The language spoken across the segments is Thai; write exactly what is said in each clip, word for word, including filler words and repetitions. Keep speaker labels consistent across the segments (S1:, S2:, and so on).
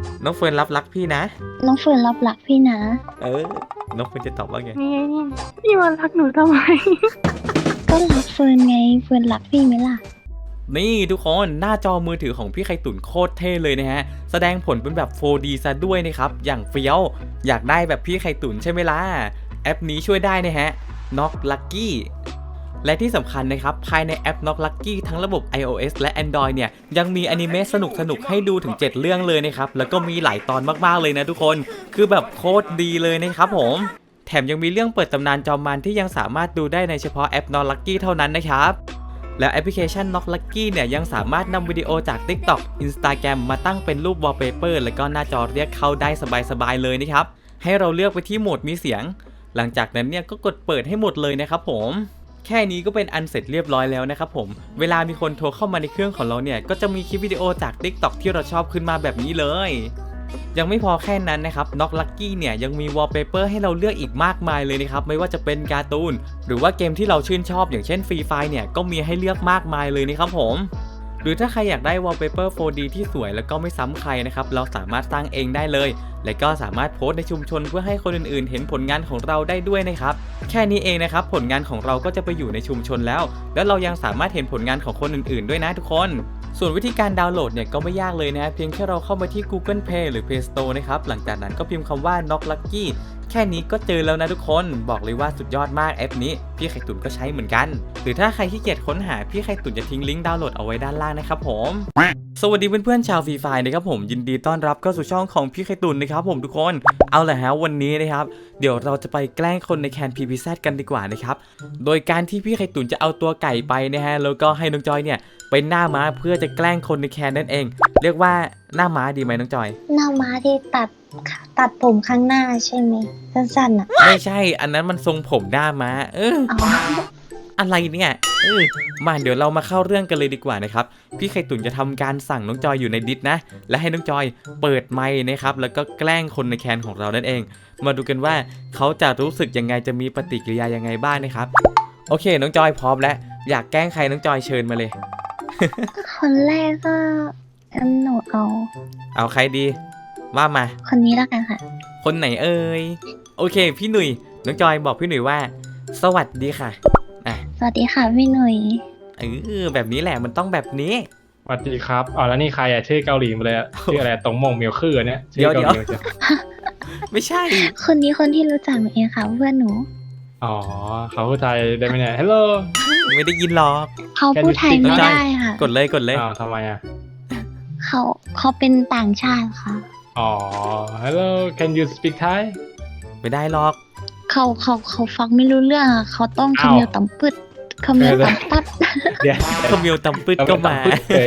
S1: น้องเฟิร์นรับรักพี่นะ
S2: น้องเฟิร์นรับรักพี่นะ
S1: เออน้องเฟิร์นจะตอบว่าไง
S3: พี่มารักหนูทำไม
S2: ก็รักเฟิร์นไงเฟิร์นรักพี่ไหมล่ะ
S1: นี่ทุกคนหน้าจอมือถือของพี่ไข่ตุ๋นโคตรเท่เลยนะฮะแสดงผลเป็นแบบ โฟร์ดี ซะด้วยนะครับอย่างเฟี้ยวอยากได้แบบพี่ไข่ตุ๋นใช่ไหมล่ะแอปนี้ช่วยได้นะฮะ Knock Lucky และที่สำคัญนะครับภายในแอป Knock Lucky ทั้งระบบ ไอ โอ เอส และ Android เนี่ยยังมีอนิเมะสนุกๆให้ดูถึงเจ็ดเรื่องเลยนะครับแล้วก็มีหลายตอนมากๆเลยนะทุกคนคือแบบโคตรดีเลยนะครับผมแถมยังมีเรื่องเปิดตำนานจอมมารที่ยังสามารถดูได้ในเฉพาะแอป Knock Lucky เท่านั้นนะครับแล้วแอปพลิเคชัน Knock Lucky เนี่ยยังสามารถนำวิดีโอจาก TikTok Instagram มาตั้งเป็นรูป Wallpaper แล้วก็หน้าจอเรียกเข้าได้สบายๆเลยนะครับให้เราเลือกไปที่โหมดมีเสียงหลังจากนั้นเนี่ยก็กดเปิดให้หมดเลยนะครับผมแค่นี้ก็เป็นอันเสร็จเรียบร้อยแล้วนะครับผมเวลามีคนโทรเข้ามาในเครื่องของเราเนี่ยก็จะมีคลิปวิดีโอจาก TikTok ที่เราชอบขึ้นมาแบบนี้เลยยังไม่พอแค่นั้นนะครับ Knock Lucky เนี่ยยังมี Wallpaper ให้เราเลือกอีกมากมายเลยนะครับไม่ว่าจะเป็นการ์ตูนหรือว่าเกมที่เราชื่นชอบอย่างเช่น Free Fire เนี่ยก็มีให้เลือกมากมายเลยนะครับผมหรือถ้าใครอยากได้ Wallpaper โฟร์ดี ที่สวยแล้วก็ไม่ซ้ำใครนะครับเราสามารถสร้างเองได้เลยและก็สามารถโพสต์ในชุมชนเพื่อให้คนอื่นๆเห็นผลงานของเราได้ด้วยนะครับแค่นี้เองนะครับผลงานของเราก็จะไปอยู่ในชุมชนแล้วแล้วเรายังสามารถเห็นผลงานของคนอื่นๆด้วยนะทุกคนส่วนวิธีการดาวน์โหลดเนี่ยก็ไม่ยากเลยนะเพียงแค่เราเข้ามาที่ Google Play หรือ Play Store นะครับหลังจากนั้นก็พิมพ์คำว่า Knock Lucky แค่นี้ก็เจอแล้วนะทุกคนบอกเลยว่าสุดยอดมากแอปนี้พี่ไข่ตุ๋นก็ใช้เหมือนกันหรือถ้าใครขี้เกียจค้นหาพี่ไข่ตุ๋นจะทิ้งลิงก์ดาวน์โหลดเอาไว้ด้านล่างนะครับผมสวัสดีเพื่อนๆชาวฟรีไฟนะครับผมยินดีต้อนรับเข้าสู่ช่องของพี่ไข่ตุ๋นนะครับผมทุกคนเอาละฮะวันนี้นะครับเดี๋ยวเราจะไปแกล้งคนในแคน พี พี แซด กันดีกว่านะครับโดยการที่พี่ไข่ตุ๋นจะเอาตัวไก่ไปนะฮะแล้วก็ให้น้องจอยเนี่ยเป็นหน้าม้าเพื่อจะแกล้งคนในแคนนั่นเองเรียกว่าหน้าม้าดีไหมน้องจอย
S2: หน้าม้าที่ตัดตัดผมข้างหน้าใช่ไหมสั้นๆอ่ะ
S1: ไม่ใช่อันนั้นมันทรงผมหน้าม้าเอออะไรเนี่ยเออมาเดี๋ยวเรามาเข้าเรื่องกันเลยดีกว่านะครับพี่ไข่ตุ๋นจะทำการสั่งน้องจอยอยู่ในดิสนะและให้น้องจอยเปิดไมค์นะครับแล้วก็แกล้งคนในแคนของเรานั่นเองมาดูกันว่าเขาจะรู้สึกยังไงจะมีปฏิกิริยายังไงบ้างนะครับโอเคน้องจอยพร้อมแล้วอยากแกล้งใครน้องจอยเชิญมาเลย
S2: คนแรกก็หนูเอา
S1: เอาใครดีว่ามา
S2: คนนี้แล้วกันค่ะ
S1: คนไหนเอ่ยโอเคพี่หนุ่ยน้องจอยบอกพี่หนุ่ยว่าสวัสดีค่ะอ่ะ
S2: สวัสดีค่ะพี่หนุ่ย
S1: เออแบบนี้แหละมันต้องแบบนี้
S3: สวัสดีครับอ๋อแล้วนี่ใครอ่ะชื่อเกาหลีมาเลยชื่ออะไรตรงมงเมียวคือเนี่ย
S1: เดี๋ยวเดี๋ยวไม่ใช่
S2: คนนี้คนที่รู้จักเองค่ะเพื่อนหนู
S3: อ๋อเขาพูดไทยได้ไหมเนี่ยฮัลโหล
S1: ไม่ได้ยินหรอก
S2: เขาพูดไทยไม่ได้ค่ะ
S1: กดเลยกดเลย
S3: อ้าวทำไมอ่ะ
S2: เขาเขาเป็นต่างชาติค่ะ
S3: อ๋อ hello can you speak Thai
S1: ไม่ได้หรอก
S2: เขาเขาเขาฟังไม่รู้เรื่องเขาต้องคำเมียวต่ำปึ๊ดคำเมียวต่ำตัด
S1: คำเมียวต่ำปึ๊ดก็มา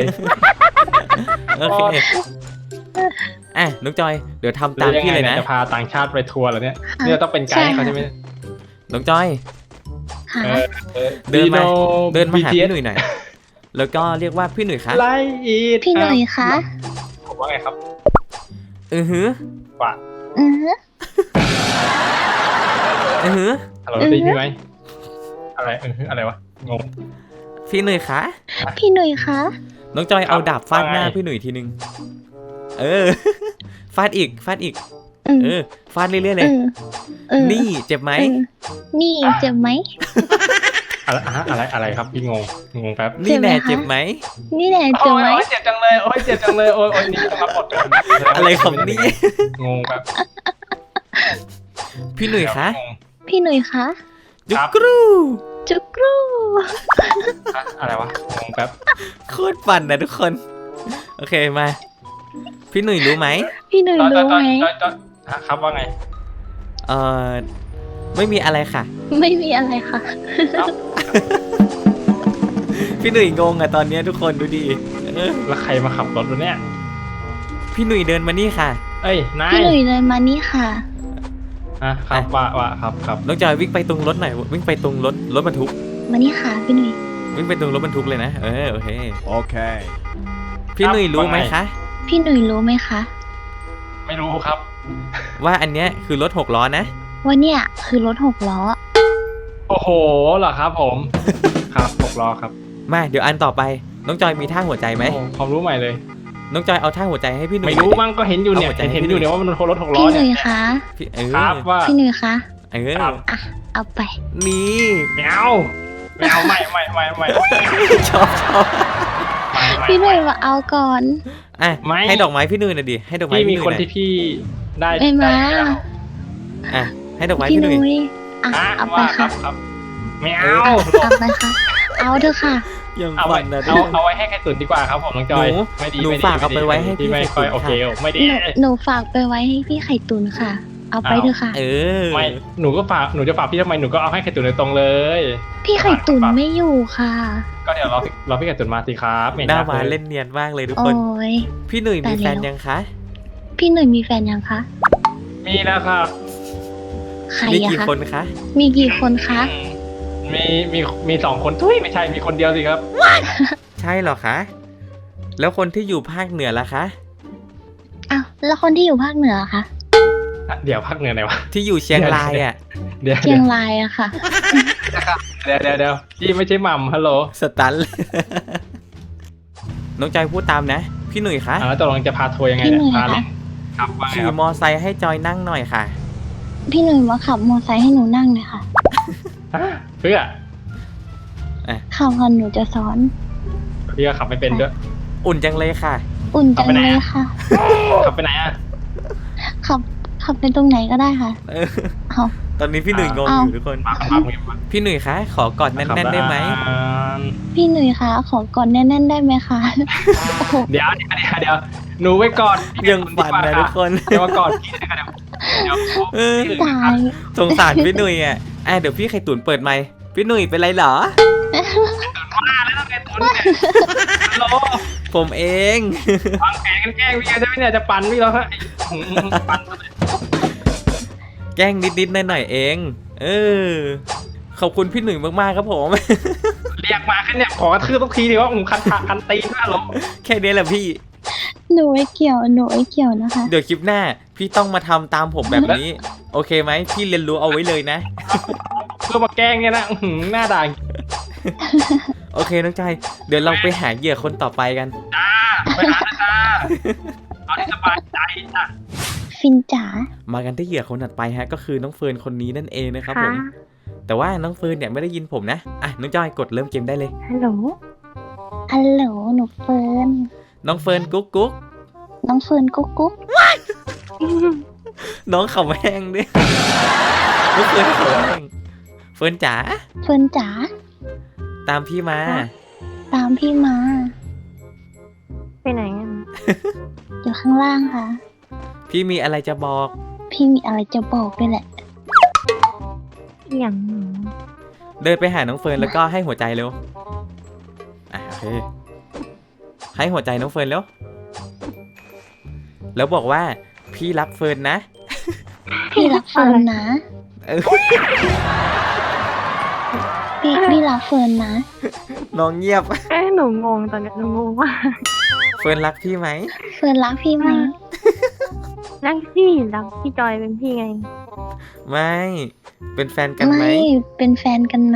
S1: โอเคอ่ะน้องจอยเดี๋ยวทำตามพี่เลยนะ
S3: จะพาต่างชาติไปทัวร์เหรอเนี่ยนี่ต้องเป็นไกด์เขาใช่ไหม
S1: น้องจอยเดินมาเดินมาหาพี่หนุ่ยหน่อยแล้วก็เรียกว่าพี่หนุ่ยคะ
S2: พี่หนุ่ยคะ
S3: ผมว่าไงครับ
S1: อือหือ
S3: ว่า
S2: อือหือ
S1: อือหือ
S3: ฮัลโหลได้ยินไหมอะไรอือหืออะไรวะงง
S1: พี่หนุ่ยคะ
S2: พี่หนุ่ยคะ
S1: น้องจอยเอาดาบฟาดหน้าพี่หนุ่ยทีนึงเออฟาดอีกฟาดอีกเออฟาดเรื่อยๆเลยนี่เจ็บไหม
S2: นี่เจ็บไหม
S3: อะไรอะไรอะไรครับพี่งงงงแป๊บ
S1: นี่แน่เจ็บไหม
S2: นี่แน่เจ็บไหม
S3: โอ้ยเจ็บจังเลยโอ้ยเจ็บจังเลยโอ้ยโอ้ยนี่จะมาปลด
S1: อะไรของนี่
S3: งงแป๊บ
S1: พี่หนุ่ยคะ
S2: พี่หนุ่ยคะ
S1: จุกรู
S2: จุกรู
S3: อะไรวะงงแป๊บ
S1: โคตรปั่นนะทุกคนโอเคมาพี่หนุ่ยรู้ไหม
S2: พี่หนุ่ยรู้ไหม
S3: ครับว่าไง
S1: เออไม่มีอะไรค่ะ
S2: ไม่มีอะไรค่ะ
S1: พี่หนุ่ยงงอะตอนนี้ทุกคนดูดี
S3: แล้วใครมาขับรถวะเนี่ย
S1: พี่หนุ่ยเดินมานี่ค่ะ
S3: เอ้ยนาย
S2: พี่หนุ่ยเดินมานี่ค่ะ
S3: อ่ะครับว่าว่าครับครับ
S1: น้องจอยวิ่งไปตรงรถหน่อยวิ่งไปตรงรถรถบรรทุก
S2: มานี่ค่ะพี่หนุ่ย
S1: วิ่งไปตรงรถบรรทุกเลยนะเออโอเค
S4: โอเค
S1: พี่หนุ่ยรู้ไหมคะ
S2: พี่หนุ่ยรู้ไหมคะ
S3: ไม่รู้ครับ
S1: ว่าอันเนี้ยคือรถหกล้อนะ
S2: ว่าเนี่ยคือรถหกล้อ
S3: โอ้โหเหรอครับผมครับหกล้อครับ
S1: มาเดี๋ยวอันต่อไปน้องจอยมีท่าหัวใจไหม
S3: ความรู้ใหม่เลย
S1: น้องจอยเอาท่าหัวใจให้พี่หนุ่ย
S3: ไม่รู้
S1: หน่อยดิ
S3: มั้งก็เห็นอยู่เนี่ย
S1: เอาหัวใจให้
S3: เห็น
S1: พี่
S3: อยู่
S1: หนุ่ย
S3: เนี่ยว่ามันรถหกล้อ
S2: พี่ห
S3: เนี่
S2: นุ่
S3: ย
S2: ยคะ
S1: พี่เออ
S3: ครับว่า
S2: พี่หนุ่ยคะ
S1: เออ
S3: ครับ
S2: อ่ะเอาไป
S1: นี่
S3: ไม่เอาไม่เอาไม่ไม่ไม่ไม่
S1: ชอบชอบ
S3: ไม่ไม่
S2: พี่หนุ่ยมาเอาก่อน
S1: อ่ะ
S3: ไม่
S1: ให้ดอกไม้พี่หนุ่ยหน่อยดิให้ดอกไม้
S3: พี่มี
S1: พี่ห
S3: ค
S1: นุ่
S3: น
S1: ยหน่
S3: ที่
S1: อย
S3: พี่ได้
S2: ไม่มา
S3: ได้แล้ว
S1: อ่ะให้ดอกไม้
S2: พี่
S1: พี่
S2: ห
S1: หนุ่ย
S2: นุ่ยอ่ะ
S3: อ่ะ
S2: เอาไป
S3: ว่าครั
S2: ค่ะ
S3: บครับไม่เอา
S2: เอาไปค่ะ เอาเถอะค่ะ
S1: ยัง
S3: เอา
S1: ฝั
S3: ไว้
S1: นนะ
S3: เอาเอาไว้ให้ใครตุนดีกว่าครับผมน้องจอย
S1: หนู
S3: ไม่ดี
S1: หนู
S3: ไม่ดี
S1: ฝากเอาไปไว้ให้พี่
S3: ไม่
S1: ไข่
S3: ค่อย
S1: ตุ๋น
S3: โอเค
S1: ค่ะ
S3: ไม่ดี
S2: หนูหนูฝากไปไว้ให้พี่ไข่ตุนค่ะ เอาไปเถอะค่ะ
S1: เออ
S3: ไม่หนูก็ฝากหนูจะฝากพี่ทำไมหนูก็เอาให้ไข่ตุนโดยตรงเลย
S2: พี่ไข่ตุนไม่อยู่ค่ะ
S3: ก็เดี๋ยวรอรอพี่ไข่ตุนมาสิครับไม่
S1: หน้า
S3: นัก
S1: มา
S3: เลย
S1: เล่นเนียนมากเลยทุก
S2: โอ้
S1: คน
S2: ย
S1: พี่หนุ่ยมี
S2: ตายแล้ว
S1: แฟนยังคะ
S2: พี่หนุ่ยมีแฟนยังคะ
S3: มีแล้วครับ
S2: ใคร
S1: มี
S2: อะ
S1: กี่
S2: คะ
S1: คนคะ
S2: มีกี่คนคะ
S3: มีมีมีสองคนทุยไม่ใช่มีคนเดียวสิครับ
S1: ใช่เหรอคะ แล้วคนที่อยู่ภาคเหนือล่ะคะ
S2: อ้าวแล้วคนที่อยู่ภาคเหนือคะ
S3: อ่ะเดี๋ยวพักเหนือไหนวะ
S1: ที่อยู่เชียงรายอ่ะ
S3: เดี๋ยว
S2: เชียงรายอะค่ะ
S3: เดี๋ยวเดี๋ยวเดี๋ยวพี่ไม่ใช่หม่ำฮัลโหล
S1: สตันเลย น้องจอยพูดตามนะ พี่หนุ่ยคะ
S3: อ่าแล้วตกลงจะพาทัวร์ยังไงเนี่ย
S2: พี่หนุ่ย
S3: พาเลย
S2: คะ
S3: ครับว่าไง
S1: ขี่
S3: ครับ
S1: มอไซค์ให้จอยนั่งหน่อยค่ะ
S2: พี่หนุ่ยมาขับมอไซค์ให้หนูนั่งหน่อยค่ะ
S3: ฮะเพื่อ
S2: ขับก่อนหนูจะสอน
S3: พี่ก็ขับไม่เป็นด้วย
S1: อุ่นจังเลยค่ะ
S2: อุ่นจัง
S3: ขับไปไหน
S2: เลย
S3: อะ
S2: ค่ะ
S3: ขับไปไหนอ่ะ
S2: ขับขับไปตรงไหนก็ได้ค่ะ
S1: เออ
S2: เอา
S1: ตอนนี้พี่หนุ่ยงง
S2: อ้าว
S1: อยู่ทุกคน
S3: มาขับมาขับ
S1: พี่หนุ่ยคะขอกอดแน่นๆได้ไหม
S3: อ่า
S2: พี่หนุ่ยคะขอกอดแน่นๆได้ไหมคะ โอ้โห
S3: เดี๋ยวเดี๋ยวเดี๋ยวเดี๋ยวหนูไว้ก่อน
S1: ยังฝันนะทุกคน
S3: เดี๋ยวมาก่อนพี่นะครับเดี๋ยว
S1: เออ
S3: เดี๋ยว
S2: ตาย
S1: สงสารพี่หนุ่ยอ่ะอ่ะเดี๋ยวพี่ไข่ตุ๋นเปิดไมค์พี่หนุ่ยเป็นไรเหรอ
S3: มาแล้วไงตุนเนี่ยฮัลโหล
S1: ผมเอง
S3: วางแผนกันแกล้งพี่ใช่ไหมเนี่ยจะปั่นพี่แล้วฮะอืมปั่น
S1: แกล้งนิดๆหน่อยๆเอง เออ ขอบคุณพี่หนุ่ยมากๆครับผม
S3: เรียกมาแค่เนี่ยขอกระทืบทุกทีดีว่าผมคันขาคันตีนมากหรอ
S1: แค่นี้แหละพี่
S2: หนูไม่เกี่ยวหนูไม่เกี่ยวนะคะ
S1: เดี๋ยวคลิปหน้า พี่ต้องมาทำตามผมแบบนี้ โอเคไหมพี่เรียนรู้เอาไว้เลยนะ
S3: เพื่อมาแกล้งเนี่ยนะอื้อหือหน้าด่าง
S1: โอเคน้องใจเดี๋ยวเราไปหาเหยื่อคนต่อไปกัน
S3: จ้าไปหานะจ้าเอาที่สบายใจจ้า
S2: ฟินจ๋า
S1: มากันที่เหยื่อคนถัดไปฮะ ก็คือน้องเฟิร์นคนนี้นั่นเองนะครับผม แต่ว่าน้องเฟิร์นเนี่ยไม่ได้ยินผมนะ อ่ะน้องจอยกดเริ่มเกมได้เลย
S2: ฮัลโหลฮัลโหลหนูเฟิร์น
S1: น้องเฟิร์นกุ๊กกุ๊ก
S2: น้องเฟิร์นกุ๊กกุ๊ก
S1: น้องเขาแห้งด้วย น้องเฟิร์นเขาแห้งเฟิร์นจ๋า
S2: เฟิร์นจ๋า
S1: ตามพี่มา
S2: ตามพี่มา
S4: ไปไหนอ่ะ
S2: อยู่ข้างล่างค่ะ
S1: พี่มีอะไรจะบอก
S2: พี่มีอะไรจะบอกด้วยแหละ
S4: อย่างหนู
S1: เดินไปหาน้องเฟิร์นแล้วก็ให้หัวใจเร็ว อ่ะโอเค ให้หัวใจน้องเฟิร์นเร็ว แล้วบอกว่าพี่รักเฟิร์นนะ
S2: พี่รักเฟิร์นนะ
S1: เออ
S2: พี่พี่รักเฟิร์นนะ
S1: น้องเงียบ
S4: เอ้ยหนูงงตอนเนี้ยหนูงงว่า
S1: เฟิร์นรักพี่ไหม
S2: เฟิร์นรักพี่ไหม
S4: รักพี่รักพี่จอยเป็นพี่ไง
S1: ไม่ เป็นแฟนกันไหม
S2: ไม่เป็นแฟนกันไหม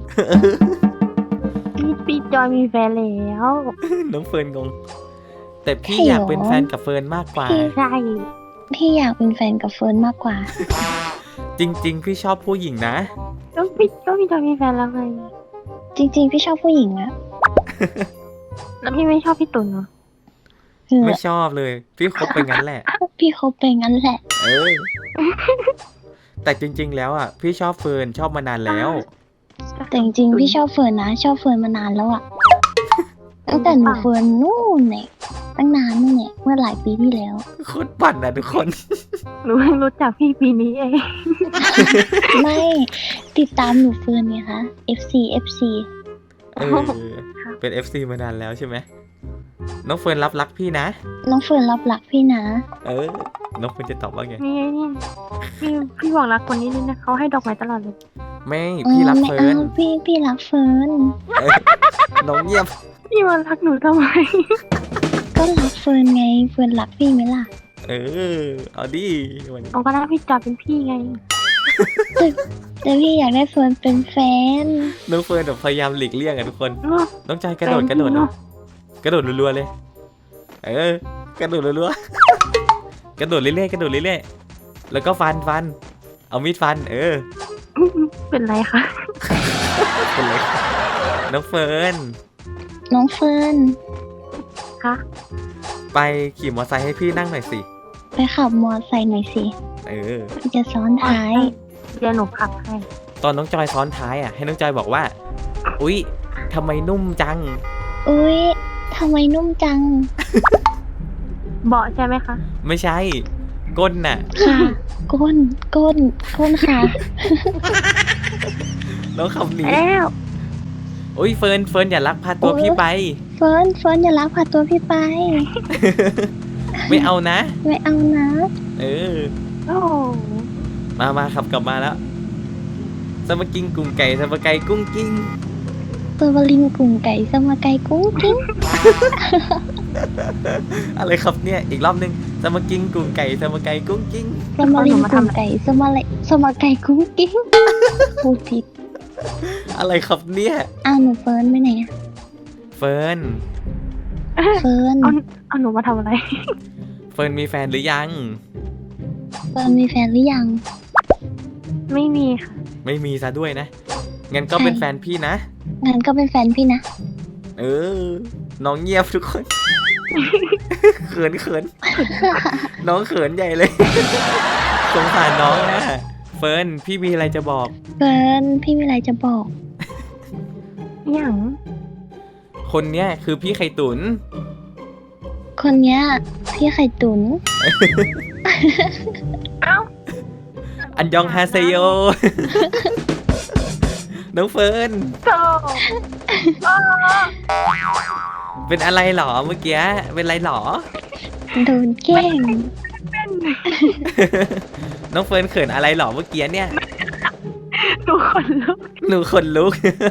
S4: พี่พี่จอยมีแฟนแล้ว
S1: น้องเฟิร์นงง แต่พี่
S2: ใช่เหรอ
S1: อยากเป็นแฟนกับเฟิร์นมากกว่า
S4: ใช่
S2: พี่อยากเป็นแฟนกับเฟิร์นมากกว่า
S1: จริง ๆ พี่ชอบผู้หญิงนะ
S4: ก็พี่ก็พี่จอยมีแฟนแล้วไง
S2: จริง ๆ พี่ชอบผู้หญิงอะ
S4: แล้วพี่ไม่ชอบพี่ตุ่นเหรอ
S2: เออ
S1: ไม่ชอบเลย พี่คบไปงั้นแหละ
S2: พี่คบไปงั้นแหละ
S1: เออ แต่จริง ๆ แล้วอ่ะ พี่ชอบเฟิร์นชอบมานานแล้ว
S2: แต่จริงๆพี่ชอบเฟิร์นนะ ชอบเฟิร์นมานานแล้วอะตั้งแต่หนูเฟิร์นนู่นเนี่ยตั้งนานนู่นเนี่ยเมื่อหลายปีที่แล้ว
S1: โคตรปั่นนะทุกคน
S4: หนูเพิ่งรู้จักพี่ปีนี้เอง
S2: ไม่ติดตามหนูเฟิร์นไงคะ เอฟ ซี เอฟ ซี
S1: เออ เป็น เอฟ ซี มานานแล้วใช่ไหม น้องเฟิร์นรับรักพี่นะ
S2: น้องเฟิร์นรับหลักพี่นะ
S1: เออ น้องเฟิร์นจะตอบว่าไง
S4: นี่ไงนี่พี่พี่บอกรักคนนี้ด้วยนะเขาให้ดอกไม้ตลอดเลย
S1: ไม่พี่รัก
S2: ไม่
S1: เฟิ
S2: เอา
S1: ร์น
S2: พี่พี่รักเฟิร์น
S1: เออน้องเงียบ
S4: พี่มารักหนูทำไม
S2: ก็รักเฟิร์นไง เฟิร์นรักพี่ไหมล่ะ
S1: เออ เอาดิวันนี้
S4: เอาก็รักพี่จอยเป็นพี่ไง
S2: แต่พี่อยากได้เฟิร์นเป็นแฟน
S1: น้องเฟิร์นแบบพยายามหลีกเลี่ยงอะทุกคน
S4: เนอะ
S1: น้องใจกระโดดกระโดด
S4: เนอะ
S1: กระโดดรัวๆเลย เเออกระโดดรัวๆกระโดดเรื่อยๆกระโดดเรื่อยๆแล้วก็ฟันฟันเอามีดฟันเออ
S4: เป็นไรคะ
S1: เป็นไรน้องเฟิร์น
S2: น้องเฟิร์น
S4: คะ
S1: ไปขี่มอเตอร์ไซค์ให้พี่นั่งหน่อยสิ
S2: ไปขับมอไซค์หน่อยสิ
S1: เออ
S2: พี่จะซ้อนท้าย
S4: เดี๋ยวหนูขับให้
S1: ตอนน้องจอยซ้อนท้ายอ่ะให้น้องจอยบอกว่าอุ๊ยทำไมนุ่มจัง
S2: อุ้ยทำไมนุ่มจัง
S4: เบาะใช่ไหมคะ
S1: ไม่ใช่ ก้นน่ะ
S2: ค่ะ ก้น ก้น ก้นค่ะ
S1: น้องขับหนี
S4: แล้ว
S1: อุ๊ยเฟิร์นเฟิร์นอย่าลักพาตัว
S2: โอ๊ย
S1: พี่ไป
S2: เฟิร์น เฟิร์นอย่าลักพาตัวพี่ไป
S1: ไม่เอานะ
S2: ไม่เอานะ
S1: เออ
S4: โอ้โห
S1: มามาขับกลับมาแล้วสมากิงกุ้งไก่สมาไก่กุ้งกิ้ง
S2: ตัวบลิงกุ่งไก่สมาไก่กุ้งกิ้ง
S1: อะไรครับเนี่ยอีกรอบนึงสมากิงกุ้งไก่สมาไก่กุ้งกิ้ง
S2: สมาลิงกุ่งไก่สมาเลสมาไก่กุ้งกิ้งพูดผิด
S1: อะไรครับเนี่ย
S2: อ้าวหนูเฟิร์นไปไหนอะ
S1: เฟิร์น
S2: เฟิร์น
S4: เอาเอาหนูมาทำอะไร
S1: เฟิร์นมีแฟนหรือยัง
S2: เฟิร์นมีแฟนหรือยัง
S4: ไม่มีค่ะ
S1: ไม่มีซะด้วยนะงั้นก็
S2: ใช่
S1: เป็นแฟนพี่นะ
S2: งั้นก็เป็นแฟนพี่นะ
S1: เออ น้องเงียบทุกคน เขินเขินน้องเขินใหญ่เลย สงสารน้องนะเฟิร์นพี่มีอะไรจะบอก
S2: เฟิร์นพี่มีอะไรจะบอก
S4: อย่าง
S1: คนเนี้ยคือพี่ไข่ตุน
S2: คนเนี้ยพี่ไข่ตุน
S4: เอ้า
S1: อันยองฮาเซโย น้องเฟิร์น
S4: โธ่
S1: เป็นอะไรหรอเมื่อกี้เป็นอะไรหรอ
S2: โดนแกล้ง
S4: เป็น
S1: น้องเฟิร์นเขินอะไรหรอเมื่อกี้เนี่ย
S4: หนูคนลุก
S1: หนูขนลุก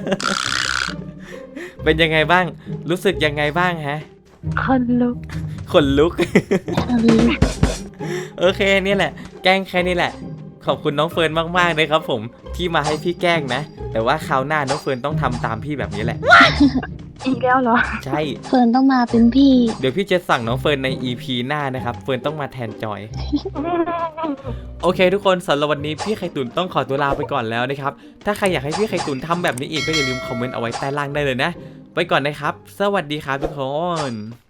S1: เป็นยังไงบ้าง รู้สึกยังไงบ้างฮะ
S4: คนลุก
S1: ขนลุก
S2: เอาเลย
S1: โอเคเนี่ยแหละ แกล้งแค่นี้แหละ ขอบคุณน้องเฟิร์นมากๆเลยครับผมที่มาให้พี่แกล้งนะ แต่ว่าคราวหน้าน้องเฟิร์นต้องทำตามพี่แบบนี้แหละ
S4: อีกแล้วเหรอ
S1: ใช่
S2: เฟิร์นต้องมาเป็นพี่
S1: เดี๋ยวพี่จะสั่งน้องเฟิร์นใน อี พี หน้านะครับเฟิร์นต้องมาแทนจอย โอเคทุกคนสำหรับวันนี้พี่ไข่ตุนต้องขอตัวลาไปก่อนแล้วนะครับถ้าใครอยากให้พี่ไข่ตุนทำแบบนี้อีกก็อย่าลืมคอมเมนต์เอาไว้ใต้ล่างได้เลยนะไปก่อนนะครับสวัสดีครับทุกคน